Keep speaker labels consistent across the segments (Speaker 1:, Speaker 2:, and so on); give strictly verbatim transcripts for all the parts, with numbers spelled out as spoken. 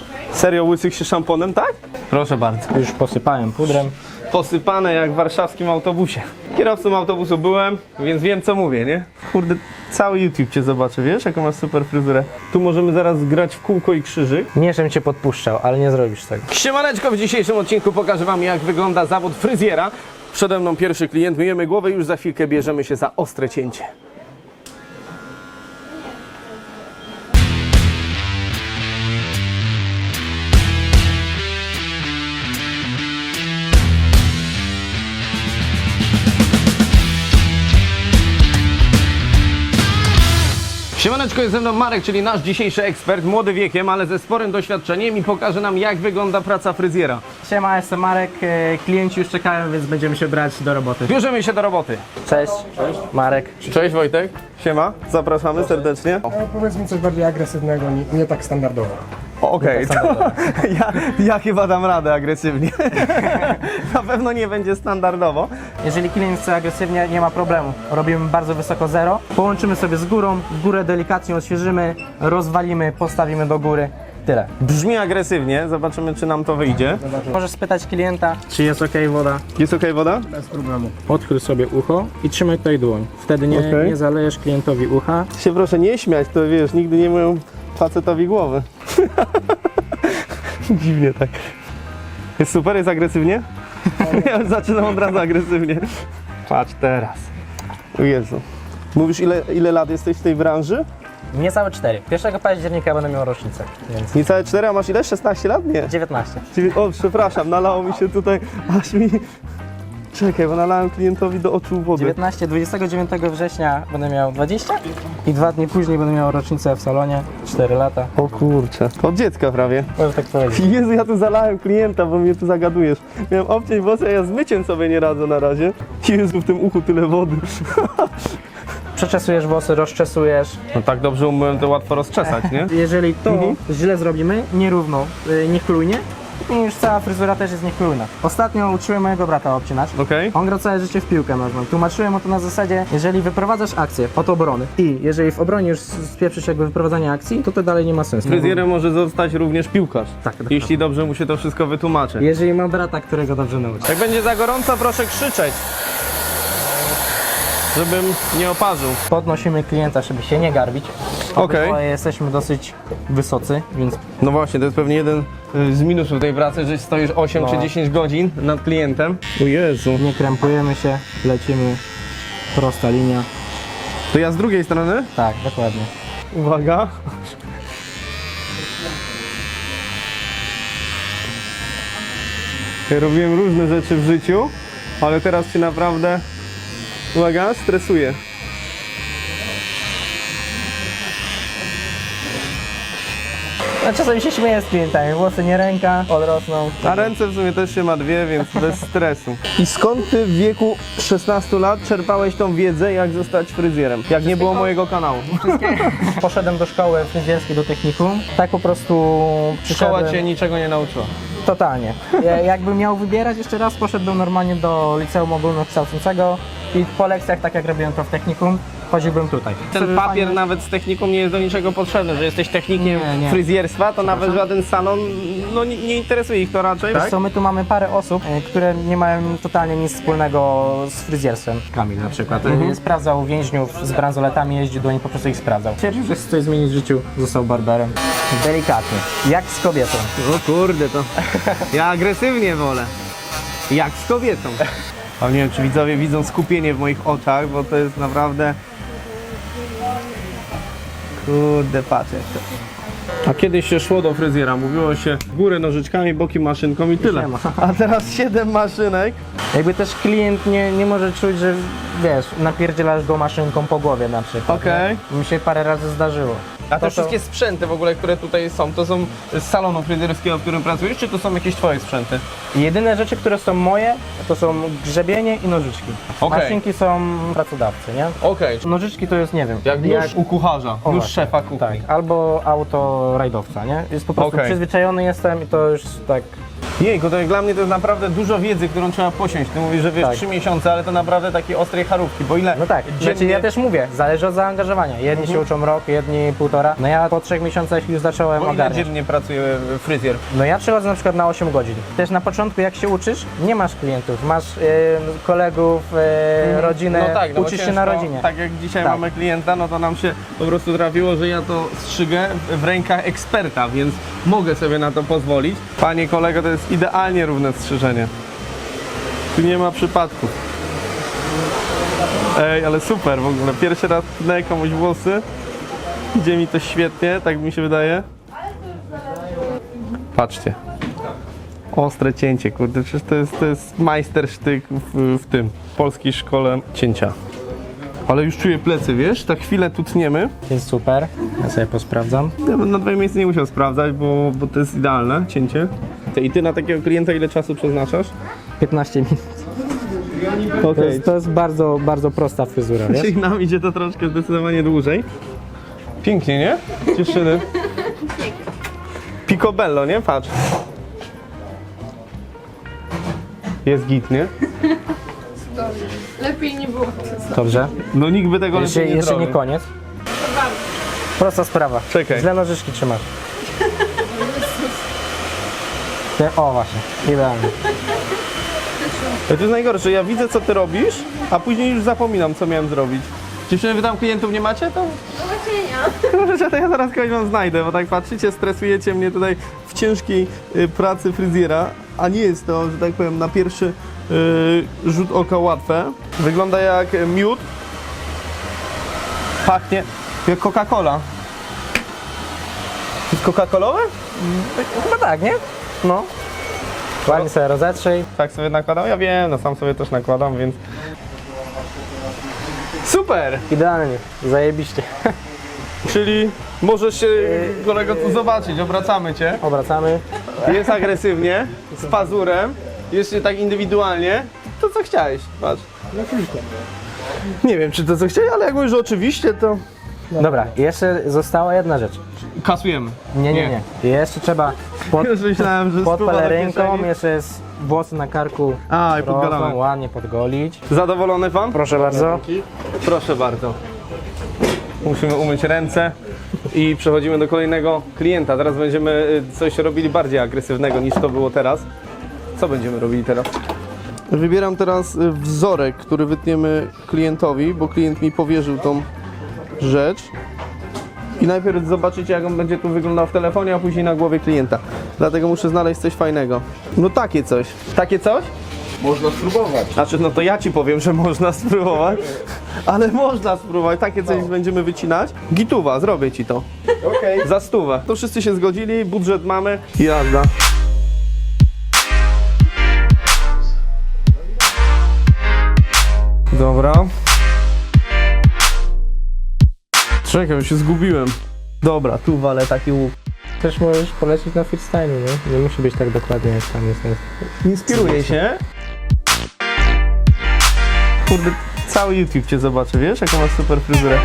Speaker 1: Serio łysych się szamponem, tak? Proszę bardzo.
Speaker 2: Już posypałem pudrem.
Speaker 1: Posypane jak w warszawskim autobusie. Kierowcą autobusu byłem, więc wiem co mówię, nie? Kurde, cały YouTube cię zobaczy, wiesz, jaką masz super fryzurę. Tu możemy zaraz grać w kółko i krzyżyk.
Speaker 2: Nie, żebym cię podpuszczał, ale nie zrobisz tego.
Speaker 1: Siemaneczko, w dzisiejszym odcinku pokażę wam, jak wygląda zawód fryzjera. Przede mną pierwszy klient, myjemy głowę i już za chwilkę bierzemy się za ostre cięcie. Siemaneczko, jest ze mną Marek, czyli nasz dzisiejszy ekspert, młody wiekiem, ale ze sporym doświadczeniem i pokaże nam, jak wygląda praca fryzjera.
Speaker 2: Siema, jestem Marek, e, klienci już czekają, więc będziemy się brać do roboty.
Speaker 1: Bierzemy się do roboty.
Speaker 2: Cześć, Cześć. Marek.
Speaker 1: Cześć Wojtek, siema, zapraszamy serdecznie.
Speaker 3: No, powiedz mi coś bardziej agresywnego, nie, nie tak standardowo.
Speaker 1: Okej, okay, to ja, ja chyba dam radę agresywnie. Na pewno nie będzie standardowo.
Speaker 2: Jeżeli klient chce agresywnie, nie ma problemu. Robimy bardzo wysoko zero. Połączymy sobie z górą, górę delikatnie odświeżymy, rozwalimy, postawimy do góry. Tyle.
Speaker 1: Brzmi agresywnie, zobaczymy czy nam to wyjdzie.
Speaker 2: Możesz spytać klienta, czy jest ok woda.
Speaker 1: Jest ok woda?
Speaker 3: Bez problemu.
Speaker 2: Odkryj sobie ucho i trzymaj tutaj dłoń. Wtedy nie,
Speaker 1: Okay.
Speaker 2: nie zalejesz klientowi ucha.
Speaker 1: Się proszę nie śmiać, to wiesz, nigdy nie myją facetowi głowy. Dziwnie tak. Jest super, jest agresywnie? Ja już zaczynam od razu agresywnie. Patrz teraz. O Jezu. Mówisz ile, ile lat jesteś w tej branży?
Speaker 2: Niecałe cztery. pierwszego października będę miał rocznicę, więc
Speaker 1: Niecałe cztery, a masz ile? szesnaście lat? Nie.
Speaker 2: dziewiętnaście.
Speaker 1: Czyli, o, przepraszam, nalało mi się tutaj, aż mi... Czekaj, bo nalałem klientowi do oczu wody.
Speaker 2: dziewiętnaście, dwudziestego dziewiątego września będę miał dwadzieścia i dwa dni później będę miał rocznicę w salonie, cztery lata.
Speaker 1: O kurczę, to od dziecka prawie.
Speaker 2: Możesz tak powiedzieć.
Speaker 1: Jezu, ja tu zalałem klienta, bo mnie tu zagadujesz. Miałem obciąć włosy, a ja z myciem sobie nie radzę na razie. Jezu, w tym uchu tyle wody.
Speaker 2: Przeczesujesz włosy, rozczesujesz.
Speaker 1: No tak dobrze umyłem, to łatwo rozczesać, nie?
Speaker 2: Jeżeli to
Speaker 1: Mhm.
Speaker 2: źle zrobimy, nierówno, yy, niechlujnie, i już cała fryzura też jest niechlujna. Ostatnio uczyłem mojego brata obcinać.
Speaker 1: Okej.
Speaker 2: On gra całe życie w piłkę nożną. Tłumaczyłem mu to na zasadzie, jeżeli wyprowadzasz akcję od obrony i jeżeli w obronie już spieprzysz jakby wyprowadzanie akcji, to to dalej nie ma sensu.
Speaker 1: Fryzjerem może zostać również piłkarz.
Speaker 2: Tak, dokładnie.
Speaker 1: Jeśli dobrze mu się to wszystko wytłumaczy.
Speaker 2: Jeżeli ma brata, którego dobrze nauczy.
Speaker 1: Jak będzie za gorąco, proszę krzyczeć. Żebym nie oparzył.
Speaker 2: Podnosimy klienta, żeby się nie garbić.
Speaker 1: Okej.
Speaker 2: Obydwoje jesteśmy dosyć wysocy, więc
Speaker 1: No właśnie, to jest pewnie jeden y, z minusów tej pracy, że stoisz osiem
Speaker 2: No.
Speaker 1: czy dziesięć godzin nad klientem. O Jezu.
Speaker 2: nie krępujemy się, lecimy. Prosta linia.
Speaker 1: To ja z drugiej strony.
Speaker 2: Tak, dokładnie.
Speaker 1: Uwaga. Ja robiłem różne rzeczy w życiu, ale teraz się naprawdę, uwaga, stresuję.
Speaker 2: A czasami się śmieję z klientami, włosy nie ręka, odrosną.
Speaker 1: A ręce w sumie też się ma dwie, więc bez stresu. I skąd ty w wieku szesnastu lat czerpałeś tą wiedzę, jak zostać fryzjerem? Jak nie było mojego kanału.
Speaker 2: Poszedłem do szkoły fryzjerskiej, do technikum. Tak po prostu
Speaker 1: Szkoła
Speaker 2: przyszedłem.
Speaker 1: cię niczego nie nauczyła.
Speaker 2: Totalnie. Ja, jakbym miał wybierać jeszcze raz, poszedłbym normalnie do liceum ogólnokształcącego i po lekcjach, tak jak robiłem to w technikum, chodziłbym tutaj.
Speaker 1: Ten
Speaker 2: Sobie
Speaker 1: papier
Speaker 2: fajnie-
Speaker 1: nawet z techniką nie jest do niczego potrzebny, że jesteś technikiem
Speaker 2: Nie, nie.
Speaker 1: fryzjerstwa, to nawet żaden salon, no nie, nie interesuje ich to raczej.
Speaker 2: Wiesz co, my tu mamy parę osób, e, które nie mają totalnie nic wspólnego z fryzjerstwem. Kamil na przykład.
Speaker 1: Mhm.
Speaker 2: E, Sprawdzał więźniów z bransoletami, jeździł do nich, po prostu ich sprawdzał. Twierdził, że chce coś zmienić w życiu, został barberem. Delikatnie. Jak z kobietą.
Speaker 1: O kurde, to ja agresywnie wolę. Jak z kobietą. A nie wiem, czy widzowie widzą skupienie w moich oczach, bo to jest naprawdę... Kurde, patrz jak to. A kiedyś się szło do fryzjera, mówiło się górę nożyczkami, boki maszynką i tyle.
Speaker 2: nie ma.
Speaker 1: A teraz siedem maszynek.
Speaker 2: Jakby też klient nie, nie może czuć, że wiesz, napierdzielasz go maszynką po głowie na przykład.
Speaker 1: Okej.
Speaker 2: nie? Mi się parę razy zdarzyło.
Speaker 1: A te
Speaker 2: To- to-
Speaker 1: wszystkie sprzęty w ogóle, które tutaj są, to są z salonu fryzjerskiego, w którym pracujesz, czy to są jakieś twoje sprzęty?
Speaker 2: Jedyne rzeczy, które są moje, to są grzebienie i nożyczki.
Speaker 1: Okej.
Speaker 2: Maszynki są pracodawcy, nie?
Speaker 1: Okej.
Speaker 2: Nożyczki to jest, nie wiem,
Speaker 1: Jak nóż u kucharza,
Speaker 2: O,
Speaker 1: nóż
Speaker 2: właśnie.
Speaker 1: szefa kuchni.
Speaker 2: Tak, albo auto rajdowca, nie? Jest po prostu
Speaker 1: Okej.
Speaker 2: przyzwyczajony jestem i to już tak
Speaker 1: Jejku, to jak dla mnie to jest naprawdę dużo wiedzy, którą trzeba posiąść. Ty mówisz, że wiesz
Speaker 2: Tak.
Speaker 1: trzy miesiące, ale to naprawdę takie ostrej charówki, bo ile
Speaker 2: No tak,
Speaker 1: dziennie...
Speaker 2: znaczy ja też mówię, zależy od zaangażowania. Jedni się uczą rok, jedni półtora. No ja po trzech miesiącach już zacząłem
Speaker 1: Bo ile
Speaker 2: ogarniać.
Speaker 1: dziennie pracuje fryzjer?
Speaker 2: No ja przychodzę na przykład na osiem godzin. Też na początku jak się uczysz, nie masz klientów, masz e, kolegów, e, rodzinę,
Speaker 1: No tak, no bo
Speaker 2: uczysz się
Speaker 1: ciężko,
Speaker 2: na rodzinie.
Speaker 1: Tak jak dzisiaj
Speaker 2: Tak.
Speaker 1: mamy klienta, no to nam się po prostu trafiło, że ja to strzygę w rękach eksperta, więc mogę sobie na to pozwolić. Panie kolego, to jest idealnie równe strzyżenie. Tu nie ma przypadków. Ej, ale super w ogóle. Pierwszy raz tnę komuś włosy. Idzie mi to świetnie, tak mi się wydaje. Patrzcie. Ostre cięcie, kurde, przecież to jest, to jest majstersztyk w, w tym, w polskiej szkole cięcia. Ale już czuję plecy, wiesz? Tak chwilę tu tniemy.
Speaker 2: Jest super, ja sobie posprawdzam.
Speaker 1: Ja bym na twoim miejscu nie musiał sprawdzać, bo, bo to jest idealne cięcie. I ty na takiego klienta ile czasu przeznaczasz?
Speaker 2: piętnaście minut. To
Speaker 1: Okej.
Speaker 2: jest, to jest bardzo, bardzo prosta fryzura, wiesz?
Speaker 1: Czyli nam idzie to troszkę zdecydowanie dłużej. Pięknie, nie? Dziewczyny. Picobello, nie? Patrz. Jest git, nie?
Speaker 4: Lepiej nie było.
Speaker 2: Dobrze.
Speaker 1: No nikt by tego
Speaker 2: Jeszcze,
Speaker 1: lepiej nie
Speaker 2: jeszcze nie
Speaker 1: zrobił.
Speaker 2: koniec. Prosta sprawa.
Speaker 1: Czekaj.
Speaker 2: Źle nożyczki trzymasz. Te- O właśnie, idealnie.
Speaker 1: To jest najgorsze, ja widzę co ty robisz, a później już zapominam co miałem zrobić. Dziewczyny, wy tam klientów nie macie? To
Speaker 4: No właśnie nie.
Speaker 1: możecie, to ja zaraz kogoś wam znajdę, bo tak patrzycie, stresujecie mnie tutaj w ciężkiej y, pracy fryzjera, a nie jest to, że tak powiem, na pierwszy y, rzut oka łatwe. Wygląda jak miód. Pachnie jak Coca-Cola. To jest Coca-Colowe?
Speaker 2: Chyba tak, nie? No. Ładnie sobie rozetrzyj.
Speaker 1: Tak sobie nakładam? Ja wiem, no sam sobie też nakładam, więc... Super!
Speaker 2: Idealnie, zajebiście.
Speaker 1: Czyli możesz się, kolego, tu zobaczyć, obracamy cię.
Speaker 2: Obracamy.
Speaker 1: Jest agresywnie, z pazurem, jeszcze tak indywidualnie. To co chciałeś, patrz. Nie wiem, czy to co chciałeś, ale jak mówisz, że oczywiście, to...
Speaker 2: Dobra, jeszcze została jedna rzecz.
Speaker 1: Kasujemy.
Speaker 2: Nie, nie, nie. Jeszcze trzeba pod,
Speaker 1: Już myślałem, że
Speaker 2: pod
Speaker 1: spływa do
Speaker 2: pelerynką,
Speaker 1: kieszeni.
Speaker 2: jeszcze jest włosy na karku.
Speaker 1: A, i
Speaker 2: rosną,
Speaker 1: podgalamy.
Speaker 2: ładnie podgolić.
Speaker 1: Zadowolony pan?
Speaker 2: Proszę bardzo.
Speaker 1: Proszę bardzo. Musimy umyć ręce i przechodzimy do kolejnego klienta. Teraz będziemy y, coś robili bardziej agresywnego niż to było teraz. Co będziemy robili teraz? Wybieram teraz y, wzorek, który wytniemy klientowi, bo klient mi powierzył tą rzecz. I najpierw zobaczycie, jak on będzie tu wyglądał w telefonie, a później na głowie klienta. Dlatego muszę znaleźć coś fajnego. No takie coś. Takie coś?
Speaker 3: Można spróbować.
Speaker 1: Znaczy, no to ja ci powiem, że można spróbować, ale można spróbować. Takie coś będziemy wycinać. Gituwa, zrobię ci to.
Speaker 3: Okej.
Speaker 1: Za stówę. To wszyscy się zgodzili, budżet mamy. Jazda. Dobra. Czekaj, się zgubiłem. Dobra, tu walę taki łuk.
Speaker 2: Też możesz polecić na freestyle, nie? Nie musi być tak dokładnie jak tam jest.
Speaker 1: Inspiruję się. Kurde, cały YouTube cię zobaczy, wiesz, jaką masz super fryzurę.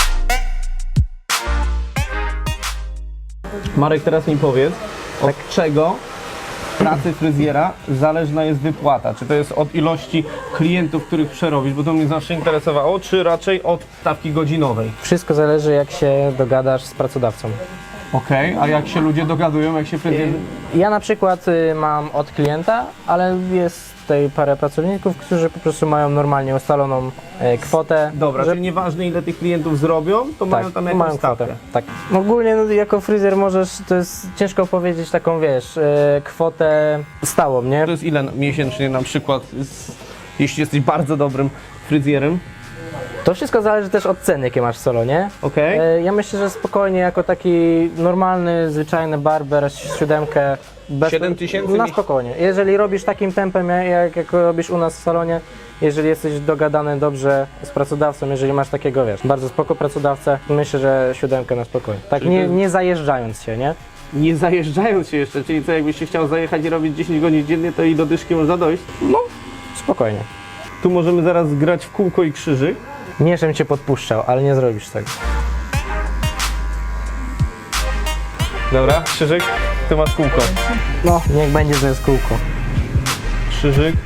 Speaker 1: Marek, teraz mi powiedz, od czego w pracy fryzjera zależna jest wypłata? Czy to jest od ilości klientów, których przerobisz, bo to mnie zawsze interesowało, czy raczej od stawki godzinowej?
Speaker 2: Wszystko zależy jak się dogadasz z pracodawcą.
Speaker 1: Okej, a jak się ludzie dogadują, jak się fryzjer...
Speaker 2: Ja na przykład y, mam od klienta, ale jest tutaj parę pracowników, którzy po prostu mają normalnie ustaloną e, kwotę.
Speaker 1: Dobra,
Speaker 2: że,
Speaker 1: czyli nieważne ile tych klientów zrobią, to mają tam jakąś
Speaker 2: mają
Speaker 1: stawkę.
Speaker 2: kwotę. Tak. Ogólnie no, jako fryzjer możesz, to jest ciężko powiedzieć taką, wiesz, e, kwotę stałą, nie?
Speaker 1: To jest ile miesięcznie na przykład, z, jeśli jesteś bardzo dobrym fryzjerem?
Speaker 2: To wszystko zależy też od ceny, jakie masz w salonie.
Speaker 1: Okej.
Speaker 2: E, Ja myślę, że spokojnie jako taki normalny, zwyczajny barber siódemkę bez,
Speaker 1: siedem tysięcy
Speaker 2: na
Speaker 1: mi-
Speaker 2: spokojnie. Jeżeli robisz takim tempem, jak, jak robisz u nas w salonie, jeżeli jesteś dogadany dobrze z pracodawcą, jeżeli masz takiego, wiesz, bardzo spoko pracodawcę, myślę, że siódemkę na spokojnie. Tak
Speaker 1: Czyli to
Speaker 2: nie,
Speaker 1: jest-
Speaker 2: nie zajeżdżając się, nie?
Speaker 1: Nie zajeżdżając się jeszcze, czyli co, jakbyś się chciał zajechać i robić dziesięć godzin dziennie, to i do dyszki można dojść?
Speaker 2: No, spokojnie.
Speaker 1: Tu możemy zaraz grać w kółko i krzyżyk.
Speaker 2: Nie, żebym cię podpuszczał, ale nie zrobisz tego.
Speaker 1: Dobra, krzyżyk, tu. Ty masz kółko.
Speaker 2: No, niech będzie, że jest kółko.
Speaker 1: Krzyżyk.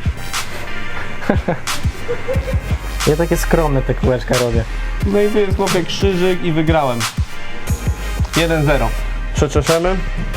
Speaker 2: Ja takie skromne te kółeczka robię.
Speaker 1: No i tu jest chłopie krzyżyk i wygrałem. jeden zero. Przeczeszemy.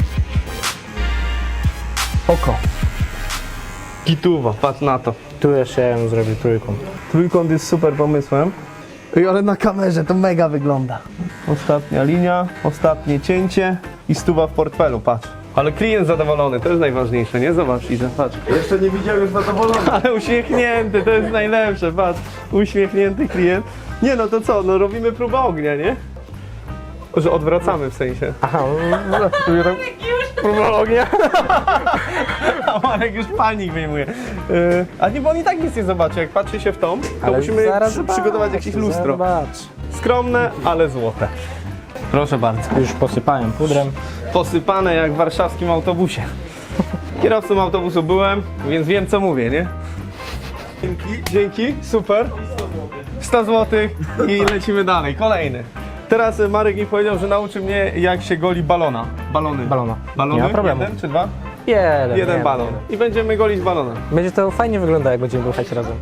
Speaker 1: Oko. Gituwa, patrz na to.
Speaker 2: Tu jeszcze ja bym zrobił trójką.
Speaker 1: Trójkąt jest super pomysłem. Ej, ale na kamerze to mega wygląda. Ostatnia linia, ostatnie cięcie i stuwa w portfelu, patrz. Ale klient zadowolony, to jest najważniejsze, nie? Zobacz, Iza, patrz.
Speaker 3: Jeszcze nie widział już zadowolony.
Speaker 1: Ale uśmiechnięty, to jest najlepsze, patrz. Uśmiechnięty klient. Nie no, to co, no robimy próbę ognia, nie? Że odwracamy w sensie.
Speaker 2: Aha, no, próba ognia.
Speaker 1: A Marek już panik wyjmuje. Yy, a nie, bo on i tak nic nie zobaczy. Jak patrzy się w tą, to
Speaker 2: Ale
Speaker 1: musimy
Speaker 2: zaraz
Speaker 1: przy, przygotować
Speaker 2: zobacz,
Speaker 1: jakieś lustro.
Speaker 2: Zobacz.
Speaker 1: Skromne, ale złote. Proszę bardzo.
Speaker 2: Już posypałem pudrem.
Speaker 1: Posypane jak w warszawskim autobusie. Kierowcą autobusu byłem, więc wiem co mówię, nie? Dzięki, dzięki, super. sto złotych i lecimy dalej. Kolejny. Teraz y, Marek mi powiedział, że nauczy mnie jak się goli balona. Balony.
Speaker 2: Balona.
Speaker 1: Balony?
Speaker 2: Nie ma problemu.
Speaker 1: Jeden czy dwa?
Speaker 2: Jeden.
Speaker 1: Jeden
Speaker 2: nie,
Speaker 1: balon. I będziemy golić balonem.
Speaker 2: Będzie to fajnie wyglądać, jak będziemy ruchać razem.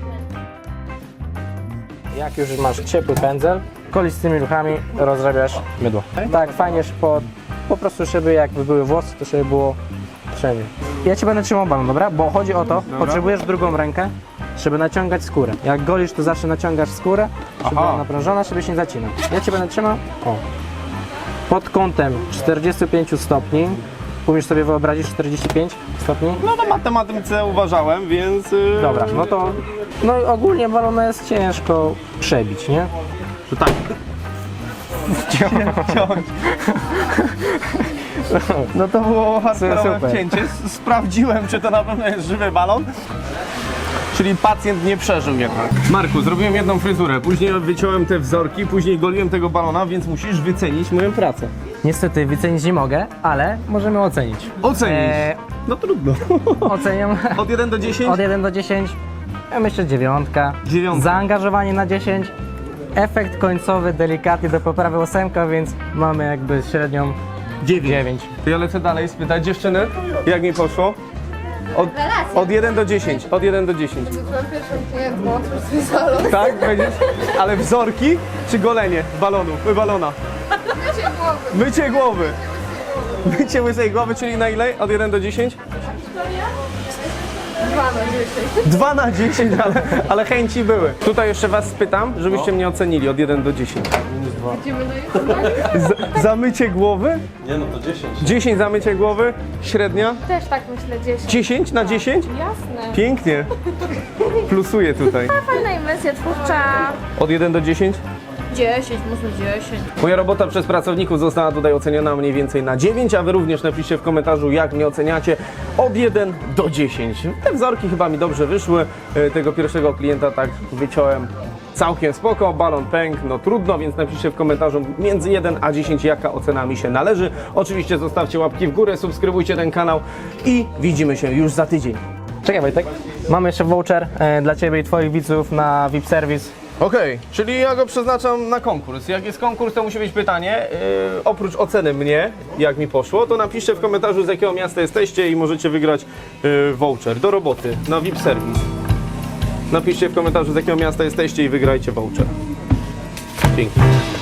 Speaker 2: Jak już masz ciepły pędzel, golisz z tymi ruchami, rozrabiasz mydło. Tak, fajnie, po, po prostu, żeby jakby były włosy, to żeby było wszędzie. Ja ci będę trzymał balon, dobra? Bo chodzi o to, potrzebujesz drugą rękę, żeby naciągać skórę. Jak golisz, to zawsze naciągasz skórę, żeby
Speaker 1: Aha.
Speaker 2: była naprężona, żeby się nie zacinał. Ja ci będę trzymał, o. Pod kątem czterdziestu pięciu stopni. Umiesz sobie wyobrazić czterdzieści pięć stopni?
Speaker 1: No na matematyce uważałem, więc... Yy,
Speaker 2: Dobra, no to no ogólnie balona jest ciężko przebić, nie?
Speaker 1: To tak. Ciąć. No to było hardkorowe
Speaker 2: Super.
Speaker 1: wcięcie. S- Sprawdziłem, czy to na pewno jest żywy balon. Czyli pacjent nie przeżył jednak. Marku, zrobiłem jedną fryzurę, później wyciąłem te wzorki, później goliłem tego balona, więc musisz wycenić moją pracę.
Speaker 2: Niestety wycenić nie mogę, ale możemy ocenić.
Speaker 1: Ocenić.
Speaker 2: Eee,
Speaker 1: No trudno.
Speaker 2: oceniam
Speaker 1: Od jeden do dziesięciu?
Speaker 2: od jeden do dziesięciu. Ja myślę dziewiątka.
Speaker 1: Dziewiątka.
Speaker 2: Zaangażowanie na dziesięć. Efekt końcowy delikatnie do poprawy ósemka, więc mamy jakby średnią dziewięć.
Speaker 1: To ja lecę dalej spytać dziewczyny, jak mi poszło? Od, od jeden do dziesięciu. Od jeden do dziesięciu.
Speaker 4: Byłam pierwszą klientką, otwórz swój salon.
Speaker 1: Tak? Będziesz? Ale wzorki czy golenie balonu, balona?
Speaker 4: Mycie głowy.
Speaker 1: Mycie głowy. Mycie łysej głowy, czyli na ile? Od jeden do dziesięciu?
Speaker 4: Dwa na dziesięć.
Speaker 1: dwa na dziesięć, ale, ale chęci były. Tutaj jeszcze was spytam, żebyście mnie ocenili od jeden do dziesięciu.
Speaker 4: Idziemy na YouTube.
Speaker 1: Z, za mycie głowy?
Speaker 3: Nie no, to dziesięć.
Speaker 1: dziesięć za mycie głowy, średnia?
Speaker 4: Też tak myślę, dziesięć.
Speaker 1: dziesięć na dziesięć?
Speaker 4: Jasne.
Speaker 1: Pięknie. Plusuję tutaj.
Speaker 4: Fajna inwencja twórcza.
Speaker 1: Od jeden do dziesięciu?
Speaker 4: dziesięć, może dziesięć.
Speaker 1: Moja robota przez pracowników została tutaj oceniona mniej więcej na dziewięć, a wy również napiszcie w komentarzu, jak mnie oceniacie od jeden do dziesięciu. Te wzorki chyba mi dobrze wyszły. E, Tego pierwszego klienta tak wyciąłem całkiem spoko, balon pękł, no trudno, więc napiszcie w komentarzu między jeden a dziesięć, jaka ocena mi się należy. Oczywiście zostawcie łapki w górę, subskrybujcie ten kanał i widzimy się już za tydzień.
Speaker 2: Czekaj Wojtek, mamy jeszcze voucher e, dla Ciebie i Twoich widzów na V I P Service.
Speaker 1: Okej, czyli ja go przeznaczam na konkurs. Jak jest konkurs, to musi być pytanie. Yy, oprócz oceny mnie, jak mi poszło, to napiszcie w komentarzu, z jakiego miasta jesteście i możecie wygrać yy, voucher do roboty na V I P Service. Napiszcie w komentarzu, z jakiego miasta jesteście i wygrajcie voucher. Dzięki.